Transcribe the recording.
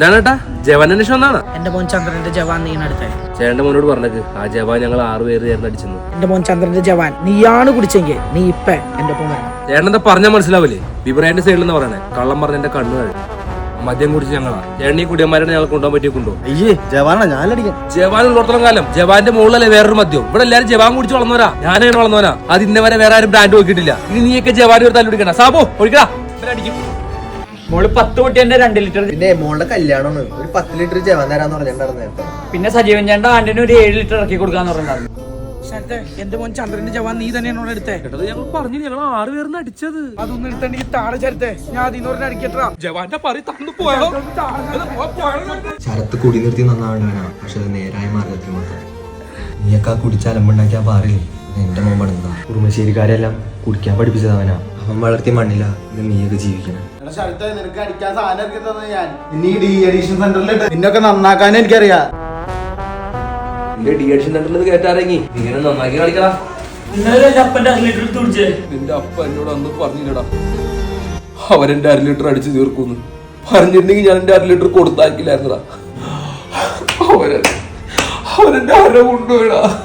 എന്താണ് ഏട്ടാ ജവാൻ അന്വേഷണം എന്നാണ്? എന്റെ മോൻ ചന്ദ്രന്റെ ജവാൻ നീ അടുത്തേ. ചേട്ടന്റെ മോനോട് പറഞ്ഞേക്ക് ആ ജവാൻ ഞങ്ങൾ 6 പേര് ചേർന്ന് അടിച്ചെന്ന്. എന്റെ മോൻ ചന്ദ്രന്റെ ജവാൻ നീയാണ് കുടിച്ചെങ്കിൽ നീ ഇപ്പ എന്റെ ഒപ്പം വരണം. ചേട്ടൻ എന്താ പറഞ്ഞാൽ മനസ്സിലാവില്ലേ? ബിബ്രാന്റെ സൈഡിൽ നിന്ന് പറയണേ. കള്ളം പറഞ്ഞ എന്റെ കണ്ണുകൾ മദ്യം കുടിച്ച് ഞങ്ങളാ. ചേട്ടൻ ഈ കുടിയന്മാരെ ഞങ്ങൾ കൊണ്ടുപോകാൻ പറ്റിയ കൊണ്ടോ? അയ്യേ ജവാനാ ഞാനടിക്കാം. ജവാൻ ഉള്ളിടത്തോളം കാലം ജവാന്റെ മുകളിലല്ലേ വേറൊരു മദ്യം. ഇവിടെ എല്ലാരും ജവാൻ കുടിച്ച് വളർന്നവരാ. ഞാനങ്ങനെ വളർന്നവനാ. അത് ഇന്ന വരെ വേറെ ആരും ബ്രാൻഡ് നോക്കിയിട്ടില്ല. ഇനി നീയൊക്കെ ജവാൻ ഒരു തല്ലു പിടിക്കണ. സാബോ ഒഴിക്കടാ. അടിക്കും. മോള് 10 പൊട്ടിന്റെ 2 ലിറ്റർ. പിന്നെ മോളുടെ കല്യാണമാണ്, ഒരു 10 ലിറ്റർ ജവാൻ തരാന്ന് പറഞ്ഞിട്ടുണ്ടായിരുന്നു. പിന്നെ സജീവൻ ചേട്ടൻ ആന്റിന് ഒരു 7 ലിറ്റർ ഇറക്കി കൊടുക്കാന്ന് പറഞ്ഞിട്ടുണ്ടായിരുന്നു. എന്റെ മോൻ ചന്ദ്രന്റെ ജവാൻ നീ തന്നെയാണ് എടുത്തേ. ഞങ്ങൾ പറഞ്ഞു ഞങ്ങൾ 6 പേർന്ന് അടിച്ചത്. അതൊന്നും എടുത്തെങ്കിൽ താഴെ ചരത്തെ ഞാൻ അതിന്ന് പറഞ്ഞ അടിക്കട്ടാ. ജവാന്റെ പറി തന്നു പോയോ? ശരത്ത് കുടി നിർത്തി നന്നാവണവനാ, പക്ഷെ അത് നേരായ മാർഗത്തിൽ മാത്രം. നീയൊക്കെ കുടിച്ച് അലമ്പുണ്ടാക്കിയാ പാറില്ലേ എന്റെ മോൻ പടുന്നതാ. കുറുമശ്ശേരിക്കാരെല്ലാം കുടിക്കാൻ പഠിപ്പിച്ചതവനാ. അവൻ വളർത്തിയ മണ്ണില ഇത് നീയൊക്കെ ജീവിക്കണം. നിനക്ക് അടിക്കാൻ സാധനം ഇറക്കി തന്നെ ഞാൻ. ഇനി ഡി അഡിഷൻ സെന്ററിലിട്ട് നിന്നൊക്കെ നന്നാക്കാനും എനിക്കറിയാം. നിന്റെ ഡി അഡിഷൻ സെന്ററിൽ കേട്ടാരെങ്കി ഇങ്ങനെ നന്നാക്കി കളിക്കടാ. നിന്റെ അപ്പ എന്നോട് അന്ന് പറഞ്ഞില്ലടാ അവരെന്റെ 1/2 ലിറ്റർ അടിച്ചു തീർക്കുന്നു. പറഞ്ഞിട്ടുണ്ടെങ്കിൽ ഞാൻ എന്റെ 1/2 ലിറ്റർ കൊടുത്താക്കില്ലായിരുന്നടാ. അവരെന്റെ 1/2 കൊണ്ടുപോയിടാ.